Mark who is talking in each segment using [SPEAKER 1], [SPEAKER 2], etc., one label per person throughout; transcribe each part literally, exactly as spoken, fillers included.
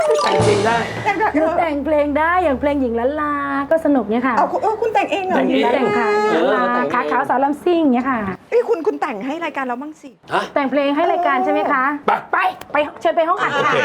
[SPEAKER 1] แต่งเพลงได้
[SPEAKER 2] หนูแต่งเพลงได้อย่างเพลงหญิงล้านลาก็สนุกเนี่ยค่ะ
[SPEAKER 3] เอาเออคุณแต่งเองเหรอ
[SPEAKER 2] แต่งค่ะหญิงล้านลาขาขาวสาวลำซิ่งเนี่ยค่ะ
[SPEAKER 3] เอ้ยคุณคุณแต่งให้รายการเราบ้างสิ
[SPEAKER 2] แต่งเพลงให้รายการใช่ไหมคะไปไปเชิญไปห้องอัดค่ะ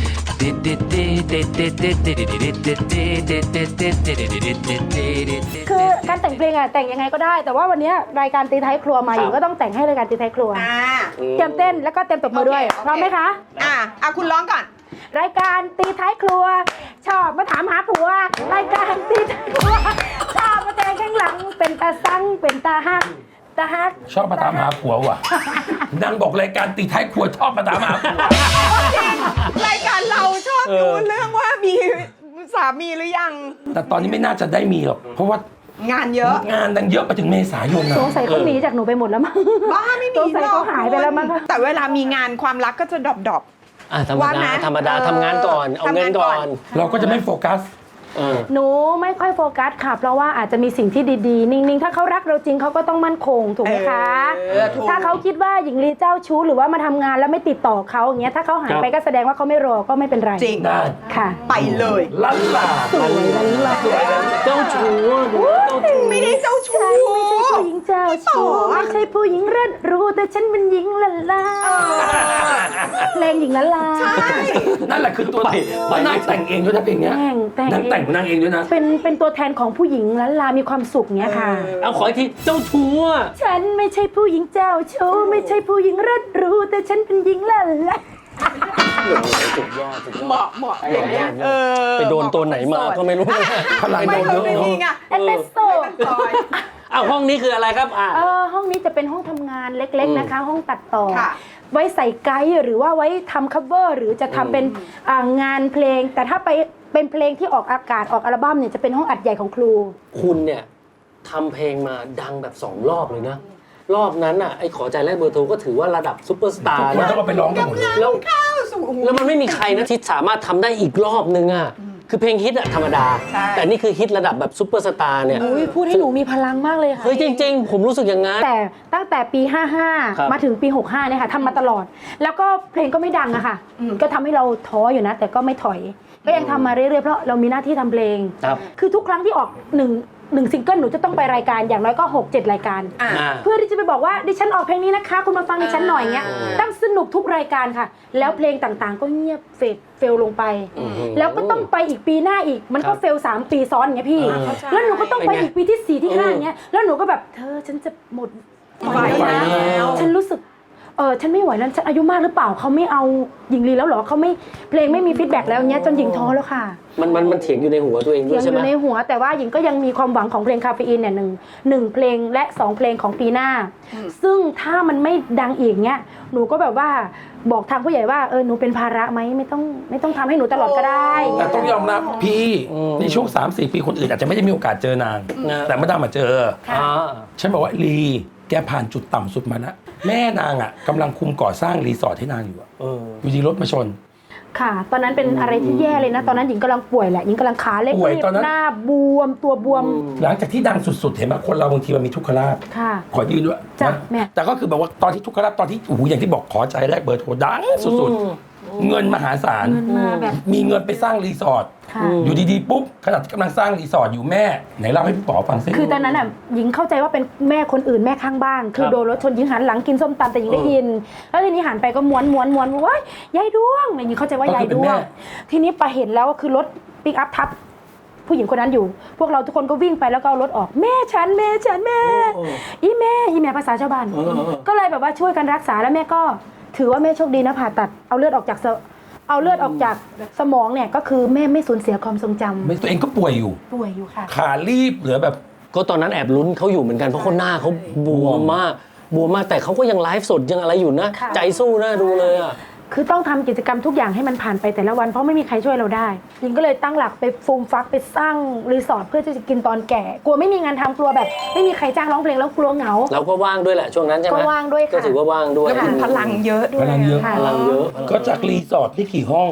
[SPEAKER 2] คือการแต่งเพลงอะแต่งยังไงก็ได้แต่ว่าวันนี้รายการตีท้ายครัวมาอยู่ก็ต้องแต่งให้รายการตีท้ายครัวเตรียมเต้นแล้วก็เตรียมตบมือด้วยพร้อมไหมคะ
[SPEAKER 3] อ่าอ่ะคุณร้องก่อน
[SPEAKER 2] รายการตีท้ายครัวชอบมาถามหาผัวรายการตีท้ายครัวชอบมาแต่งข้างหลังเป็นตาซังเป็นตาฮักตาฮัก
[SPEAKER 1] ชอบมาถามหาผัวว่ะนางบอกรายการตีท้ายครัวชอบมาถามหาผัว
[SPEAKER 3] รายการเราชอบดูเรื่องว่ามีสามีหรือยัง
[SPEAKER 1] แต่ตอนนี้ไม่น่าจะได้มีหรอกเพราะว่าง
[SPEAKER 3] านเยอะ
[SPEAKER 1] งานดังเยอะไปถึงเมษายนนะ
[SPEAKER 2] สงสัยเขาหนีจากหนูไปหมดแล้วมั้ง
[SPEAKER 3] บ้าไม่มี
[SPEAKER 2] สงสัยเขาหายไปแล้วมั้ง
[SPEAKER 3] แต่เวลามีงานความรักก็จะดรอปดรอป
[SPEAKER 4] ธรรมดาธรรมดาทำงานก่อนเอาเงินก่อน
[SPEAKER 1] เราก็จะไม่โฟกัส
[SPEAKER 2] หนูไม่ค่อยโฟกัสค่ะเพราะว่าอาจจะมีสิ่งที่ดีๆนิ่งๆถ้าเขารักเราจริงเขาก็ต้องมั่นคงถูกไหมคะถ้าเขาคิดว่าหญิงลีเจ้าชู้หรือว่ามาทำงานแล้วไม่ติดต่อเขาอย่างเงี้ยถ้าเขาหายไปก็แสดงว่าเขาไม่รอก็ไม่เป็นไร
[SPEAKER 3] จริง
[SPEAKER 1] ได้
[SPEAKER 2] ค่ะ
[SPEAKER 3] ไปเลย
[SPEAKER 1] ลันลา
[SPEAKER 2] สวยลันลา
[SPEAKER 4] เจ้าชู้
[SPEAKER 3] เจ้าชู้ไม่ได้เจ้าชู้
[SPEAKER 2] ไม่ใช่ผู้หญิงเจ้าชู้ไม่ใช่ผู้หญิงเลิศรู้แต่ฉันเป็นหญิงลันลาเพลงหญิงลันลา
[SPEAKER 3] ใช่
[SPEAKER 1] นั่นแหละคือตัวมันนั่งแต่งเองด้วยนะเพลงเนี้ยนั่งแต่งนั่งเองด้วยนะ
[SPEAKER 2] เป็นเป็นตัวแทนของผู้หญิงลันลามีความสุขเนี้ยค่ะ
[SPEAKER 4] เอาขออีกทีเจ้าชู้
[SPEAKER 2] ฉันไม่ใช่ผู้หญิงเจ้าชู้ไม่ใช่ผู้หญิงเลิศรู้แต่ฉันเป็นหญิงลันลา
[SPEAKER 4] สุดยอดสุดยอด
[SPEAKER 3] เหมาะเหมาะอย่างเงี้ยเออ
[SPEAKER 4] ไปโดนตัวไหนมาก็ไม่รู้
[SPEAKER 1] พลังโดนเยอะ
[SPEAKER 3] ไม่มีไง
[SPEAKER 2] เอสเปรสโซ่
[SPEAKER 4] อ้าวห้องนี้คืออะไรครับอ่า
[SPEAKER 2] เออห้องนี้จะเป็นห้องทำงานเล็กๆนะคะห้องตัดต่อไว้ใส่ไกด์หรือว่าไว้ทำคัฟเวอร์หรือจะทำเป็นงานเพลงแต่ถ้าไปเป็นเพลงที่ออกอากาศออกอัลบั้มเนี่ยจะเป็นห้องอัดใหญ่ของครู
[SPEAKER 4] คุณเนี่ยทำเพลงมาดังแบบสองรอบเลยนะรอบนั้นอ่ะไอ้ขอใจแลกเบอร์โทรก็ถือว่าระดับซุปเปอร์สตาร์
[SPEAKER 1] นะต้องไปร้องกันหมดเลย
[SPEAKER 4] แล้วแล้วมันไม่มีใครนะที่สามารถทำได้อีกรอบนึงอ่ะคือเพลงฮิตอะธรรมดาแต่นี่คือฮิตระดับแบบซุปเปอร์สตาร์เนี่ย
[SPEAKER 2] พูดให้หนูมีพลังมากเลยค่ะ
[SPEAKER 4] เฮ้ยจริงๆผมรู้สึกอย่างนั้น
[SPEAKER 2] แต่ตั้งแต่ปีห้าห้ามาถึงปีหกห้าเนี่ยค่ะทำมาตลอดแล้วก็เพลงก็ไม่ดังอะค่ะก็ทำให้เราท้ออยู่นะแต่ก็ไม่ถอยก็ยังทำมาเรื่อยๆเพราะเรามีหน้าที่ทำเพลงคือทุกครั้งที่ออกหนึ่งหนึ่งซิงเกิลหนูจะต้องไปรายการอย่างน้อยก็หกเจ็ดรายการเพื่อที่จะไปบอกว่าดิฉันออกเพลงนี้นะคะคุณมาฟังดิฉันหน่อยเงี้ยตั้งสนุกทุกรายการค่ะแล้วเพลงต่างๆก็เงียบเฟดเฟลลงไปแล้วก็ต้องไปอีกปีหน้าอีกมันก็เฟลสามปีซ้อนอย่างเงี้ยพี่แล้วหนูก็ต้องไปอีกปีที่สี่ที่ห้าอย่างเงี้ยแล้วหนูก็แบบเธอฉันจะหมดไฟแล้วฉันรู้สึกเออฉันไม่ไหวแล้วฉันอายุมากหรือเปล่าเขาไม่เอาหญิงลีแล้วหรอเขาไม่เพลงไม่มีฟีดแบ็กแล้วเงี้ยจนหญิงท้อแล้วค่ะ
[SPEAKER 4] มันมันมันเถียงอยู่ในหัวตัวเองด้วยใช่ไหม
[SPEAKER 2] เถียงอยู่ในหัวแต่ว่าหญิงก็ยังมีความหวังของเพลงคาเฟอีนเนี่ยหนึ่งหนึ่งเพลงและสองเพลงของปีหน้าซึ่งถ้ามันไม่ดังอีกเนี้ยหนูก็แบบว่าบอกทางผู้ใหญ่ว่าเออหนูเป็นภาระไหมไม่ต้องไม่ต้องทำให้หนูตลอดก็ได้
[SPEAKER 1] แต่ต้องยอมรับพี่ในช่วง สามสี่ ปีคนอื่นอาจจะไม่ได้มีโอกาสเจอนางแต่มาดามมาเจอฉันบอกว่าลีแกผ่านจุดต่ำสุดมาแล้วแม่นางอ่ะกำลังคุมก่อสร้างรีสอร์ทให้นางอยู่อ่ะอยู่ดีรถมาชน
[SPEAKER 2] ค่ะตอนนั้นเป็นอะไรที่แย่เลยนะตอนนั้นหญิงกำลังป่วยแหละหญิงกำลังขาเล็กหน้าบวมตัวบวม
[SPEAKER 1] หลังจากที่ดังสุดๆเห็นไหมคนเราบางทีมันมีทุกขลาภขอยืนด้วย
[SPEAKER 2] จ้ะแม่
[SPEAKER 1] แต่ก็คือแบบว่าตอนที่ทุกขลาภตอนที่โอ้โหอย่างที่บอกขอใจแรกเบอร์โทรดังสุดๆเงินมหาศาลมีเงินไปสร้างรีสอร์ทอยู่ดีๆปุ๊บขณะกำลังสร้างรีสอร์ทอยู่แม่ไหนเล่าให้พี่ป๋อฟังซิ
[SPEAKER 2] คือตอนนั้นอ่ะหญิงเข้าใจว่าเป็นแม่คนอื่นแม่ข้างบ้านคือโดนรถชนหญิงหันหลังกินส้มตำแต่หญิงได้ยินแล้วทีนี้หันไปก็ม้วนม้วนม้วนว้ายยายดวงหญิงเข้าใจว่ายายดวงทีนี้ไปเห็นแล้วก็คือรถปิกอัพทับผู้หญิงคนนั้นอยู่พวกเราทุกคนก็วิ่งไปแล้วก็เอารถออกแม่ฉันแม่ฉันแม่อีแม่อีแม่ภาษาชาวบ้านก็เลยแบบว่าช่วยกันรักษาแล้วแม่ก็ถือว่าแม่โชคดีนะผ่าตัดเอาเลือดออกจากเอาเลือดออกจากสมองเนี่ยก็คือแม่ไม่สูญเสียความทรงจำ
[SPEAKER 1] ตัวเองก็ป่วยอยู่
[SPEAKER 2] ป่วยอยู่ค่ะ
[SPEAKER 1] ขารีบเหลือแบบ
[SPEAKER 4] ก็ตอนนั้นแอบลุ้นเขาอยู่เหมือนกันเพราะคนหน้าเขาบวมมากบวมมากแต่เขาก็ยังไลฟ์สดยังอะไรอยู่นะใจสู้นะดูเลยอ่ะ
[SPEAKER 2] คือต้องทำกิจกรรมทุกอย่างให้มันผ่านไปแต่ละวันเพราะไม่มีใครช่วยเราได้ยิงก็เลยตั้งหลักไปฟูมฟักไปสร้างรีสอร์ทเพื่อที่จะกินตอนแก่กลัวไม่มีงานทำกลัวแบบไม่มีใครจ้างร้องเพลงแล้วกลัวเหงา
[SPEAKER 4] เราก็ว่างด้วยแหละช่วงนั้นใช่ไหม
[SPEAKER 2] ก็ว่างด้วยค่ะ
[SPEAKER 4] ก็ถือว่าว่างด้วย
[SPEAKER 3] แล้วคุณพลังเยอะด้วย
[SPEAKER 4] พลังเยอะพลังเยอะ
[SPEAKER 1] ก็จากรีสอร์ทที่กี่ห้อง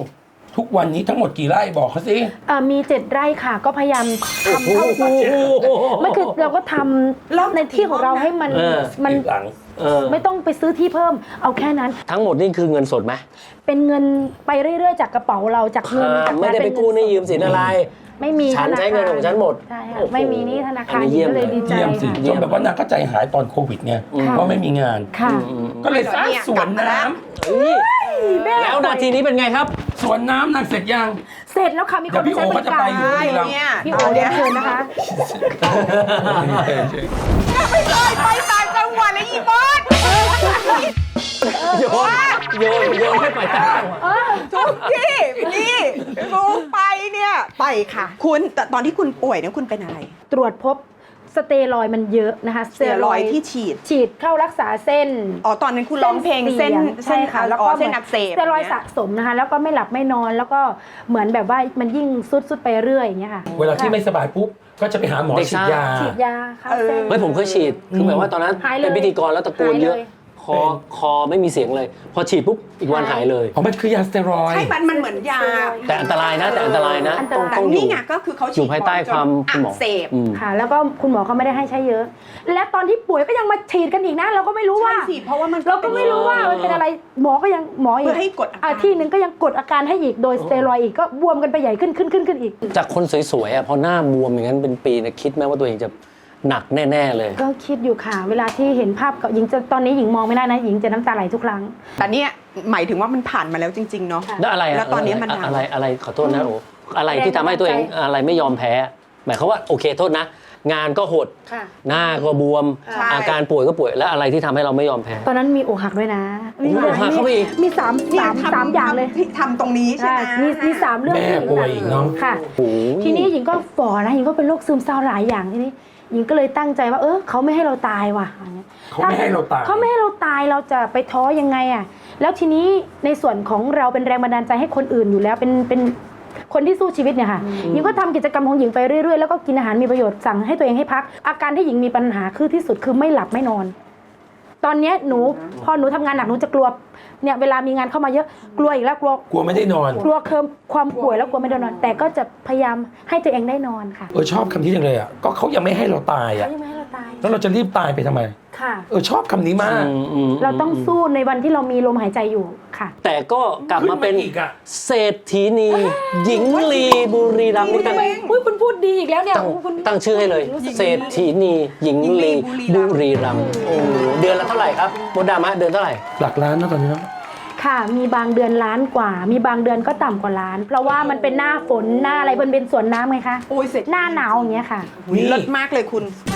[SPEAKER 1] ทุกวันนี้ทั้งหมดกี่ไร่บอกเขาสิ
[SPEAKER 2] เอ่อมีเจ็ดไร่ค่ะ ก็พยายามทำเท่าที่ไม่คือเราก็ทำในที่ของเราให้มัน
[SPEAKER 4] เออ
[SPEAKER 2] มัน
[SPEAKER 1] หลัง
[SPEAKER 4] เออ
[SPEAKER 2] ไม่ต้องไปซื้อที่เพิ่มเอาแค่นั้น
[SPEAKER 4] ทั้งหมดนี่คือเงินสดไหม
[SPEAKER 2] เป็นเงินไปเรื่อยๆ จากกระเป๋าเราจากเงิน
[SPEAKER 4] อ่า
[SPEAKER 2] จาก
[SPEAKER 4] ไม่ได้ไปกู้หนี่ยืมสินอะไร
[SPEAKER 2] ไม่มี
[SPEAKER 4] ฉัน
[SPEAKER 2] ธาคาร
[SPEAKER 4] ใช้เงินของฉันหมด
[SPEAKER 2] ใช่ค่ะ
[SPEAKER 4] โอ้โห
[SPEAKER 2] ไม่มีหนี่ธนาคาร
[SPEAKER 4] อันนี้เยี่ยม
[SPEAKER 2] ก็เลยดีใจ
[SPEAKER 1] เยี่ยมสิ
[SPEAKER 2] ค่ะ
[SPEAKER 1] จนแบบว่านางก็ใจหายตอนโควิดไง
[SPEAKER 2] ค่ะ
[SPEAKER 1] เพราะไม่มีงาน
[SPEAKER 2] ค่ะ
[SPEAKER 1] ก็เลยสร้างสวนน้ำ
[SPEAKER 4] เฮ้ยแล้วนาทีนี้เป็นไงครับ
[SPEAKER 1] สวนน้ำนางเสร็จยัง
[SPEAKER 2] เสร็จแล้วค่ะมีคนมาใช้บริการ
[SPEAKER 1] เดี๋ยวพี่โอเขาจะไปอยู่ที่เรา
[SPEAKER 3] เนี่ย
[SPEAKER 2] พี่โอเรียนเชิญนะคะ
[SPEAKER 3] ไม่เคยไปต่างจังหวัดเลยอีบอส
[SPEAKER 4] โยนโยนโยนให้ไปต่างจังหวัด
[SPEAKER 3] ทุกที่นี่รู้ไปเนี่ยไปค่ะ คุณแต่ตอนที่คุณป่วยเนี่ยคุณเป็นอะไร
[SPEAKER 2] ตรวจพบสเตียรอยด์มันเยอะนะคะ
[SPEAKER 3] สเตียรอยด์ที่ฉีด
[SPEAKER 2] ฉีดเข้ารักษาเส้น
[SPEAKER 3] อ๋อตอนนั้นคุณร้องเพลงเส้น
[SPEAKER 2] ใช่ค่ะ แล้วก็
[SPEAKER 3] เส้นอักเสบ
[SPEAKER 2] สเตียรอยด์สะสมนะคะ แล้วก็ไม่หลับไม่นอนแล้วก็เหมือนแบบว่ามันยิ่งซุดซุดไปเรื่อยอย่างเงี้ยค่ะ
[SPEAKER 1] เวลาที่ไม่สบายปุ๊บก็จะไปหาหมอ
[SPEAKER 4] เด็ก
[SPEAKER 1] ฉีด
[SPEAKER 4] ซ่า
[SPEAKER 1] ยา
[SPEAKER 2] ฉีดยาเข้าเส้น
[SPEAKER 4] เฮ้ยผมเคยฉีด คือแบบว่าตอนนั้น
[SPEAKER 2] หายเลย
[SPEAKER 4] เป็นพิธีกรแล้วตะโกนเยอะ
[SPEAKER 2] หายเลย
[SPEAKER 4] คอคอไม่มีเสียงเลย พอฉีดปุ๊บอีกวันหายเลย
[SPEAKER 1] เพราะมันคือยาสเตียรอยด์
[SPEAKER 3] ใช่มันมันเหมือนยา
[SPEAKER 4] แต่อันตรายนะ แต่อันตรายนะ
[SPEAKER 2] อันต
[SPEAKER 4] ต้อง
[SPEAKER 2] ราย
[SPEAKER 4] ต้องอยู่
[SPEAKER 3] นี่ไงก็คือเขา
[SPEAKER 4] อ
[SPEAKER 3] ฉี
[SPEAKER 4] ยู่
[SPEAKER 3] ด
[SPEAKER 4] ภายใต้ความ
[SPEAKER 3] อั
[SPEAKER 4] คุณหม
[SPEAKER 3] ก
[SPEAKER 4] อ
[SPEAKER 3] เสบ
[SPEAKER 4] อืม
[SPEAKER 2] ค่ะ แล้วก็คุณหมอเขาไม่ได้ให้ใช้เยอะ และตอนที่ป่วยก็ยังมาฉีดกันอีกนะ เราก็ไม่รู้ว่า
[SPEAKER 3] ใช่สิเพราะว่ามัน
[SPEAKER 2] เราก็ไม่รู้ว่ามันเป็นอะไรหมอก็ยังหมออี
[SPEAKER 3] เพื่
[SPEAKER 2] ก
[SPEAKER 3] อให้กดอาการ
[SPEAKER 2] อ่ะที่หนึ่งก็ยังกดอาการให้อีกโดยสเตียรอยด์อีกก็บวมกันไปใหญ่ขึ้นขึ้นขึ้นขึ้นอีก
[SPEAKER 4] จากคนสวยๆอ่ะพอหน้าบวมอย่างนั้นเป็นปีเนะคิดไหมว่าตัวเองจะหนักแน่ๆเลย
[SPEAKER 2] ก็คิดอยู่ค่ะ เวลาที่เห็นภาพกับหญิงจะตอนนี้หญิงมองไม่ได้นะหญิงจะน้ำตาไหลทุกครั้ง
[SPEAKER 3] แต่เนี่ยหมายถึงว่ามันผ่านมาแล้วจริง ๆ เนาะ
[SPEAKER 2] ค่ะ
[SPEAKER 4] แล้วอะไระ
[SPEAKER 3] แล้วตอนนี้มัน
[SPEAKER 4] อะไร
[SPEAKER 3] ดัง
[SPEAKER 4] อะไรอะไรขอโทษนะโอ้อะไรที่ทำให้ตัวเองอะไรไม่ยอมแพ้ หมายความว่าโอเคโทษนะ งานก็หด
[SPEAKER 2] ค่ะ
[SPEAKER 4] หน้าก็บวม
[SPEAKER 3] ใช่
[SPEAKER 4] อาการป่วยก็ป่วยแล้วอะไรที่ทำให้เราไม่ยอมแพ้
[SPEAKER 2] ตอนนั้นมีอกหักด้วยนะ
[SPEAKER 4] โอ้โหอกหักเข้าไปอีก
[SPEAKER 2] มีสาม
[SPEAKER 3] เนี่ย
[SPEAKER 2] สาม
[SPEAKER 3] ทำ
[SPEAKER 2] สามอย่างเลย
[SPEAKER 3] ทำทำตรงนี้ใช่
[SPEAKER 2] ใช่
[SPEAKER 3] ไหม
[SPEAKER 2] มีมีสามเรื่อง
[SPEAKER 1] แม่
[SPEAKER 2] ที่หญิง
[SPEAKER 1] ป่วยอีกเนอะ
[SPEAKER 2] ค่ะ
[SPEAKER 4] โอ้โห
[SPEAKER 2] ทีนี้หญิงก็ฝ่อนะหญิงก็เป็นโรคซึมเศร้าหลายอย่างทีนี้หญิงก็เลยตั้งใจว่าเออเขาไม่ให้เราตายว่ะอย่างเงี้ย
[SPEAKER 1] เขาไม่ให้เราตาย
[SPEAKER 2] เขาไม่ให้เราตายเราจะไปท้อยังไงอ่ะแล้วทีนี้ในส่วนของเราเป็นแรงบันดาลใจให้คนอื่นอยู่แล้วเป็นเป็นคนที่สู้ชีวิตเนี่ยค่ะหญิงก็ทำกิจกรรมของหญิงไปเรื่อยๆแล้วก็กินอาหารมีประโยชน์สั่งให้ตัวเองให้พัก อาการที่หญิงมีปัญหาคือที่สุดคือไม่หลับไม่นอน ตอนเนี้ยหนูพอหนูทำงานหนักหนูจะกลัวเนี่ยเวลามีงานเข้ามาเยอะกลัวอีกแล้วกลัว
[SPEAKER 1] กลัวไม่ได้นอน
[SPEAKER 2] กลัวเคิมความป่วยแล้วกลัวไม่ได้นอน แต่ก็จะพยายามให้ตัวเองได้นอนค่ะ
[SPEAKER 1] เออชอบคำนี้จังเลยอ่ะก็เขายังไม่ให้เราตาย
[SPEAKER 2] เขา
[SPEAKER 1] อ่ะ
[SPEAKER 2] ยังไม่ให้เราตาย
[SPEAKER 1] แล้วเราจะรีบตายไปทำไม
[SPEAKER 2] ค่ะ
[SPEAKER 1] เออชอบคำนี้มาก
[SPEAKER 4] อืม
[SPEAKER 2] เราต้องสู้ในวันที่เรามีลมหายใจอยู่ค่ะ
[SPEAKER 4] แต่ก็กลับมาเป็น
[SPEAKER 1] ขึ้นมาอีกอะ
[SPEAKER 4] เศรษฐีนีหญิงลีบุรีรัมย์นี่ตั้ง
[SPEAKER 2] อุ้ยคุณพูดดีอีกแล้วเนี่ย
[SPEAKER 4] ตั้ง
[SPEAKER 2] คุณ
[SPEAKER 4] ตั้งชื่อให้เลย เศรษฐีนีหญิงลีบุรีรัมย์โอ้โหเดือนละเท่าไหร่ครับมดดามะเดือนเท่าไหร่
[SPEAKER 1] หลักล้านนะตอนนี้เนอะ
[SPEAKER 2] ค่ะ มีบางเดือนล้านกว่า มีบางเดือนก็ต่ำกว่าล้าน เพราะว่ามันเป็นหน้าฝนหน้าอะไรมันเป็นสวนน้ำไงคะ
[SPEAKER 3] โอ้ยเสร็จ
[SPEAKER 2] หน้าหนาวอย่างเงี้ยค่ะ
[SPEAKER 1] นี่
[SPEAKER 3] เลิศมากเลยคุณ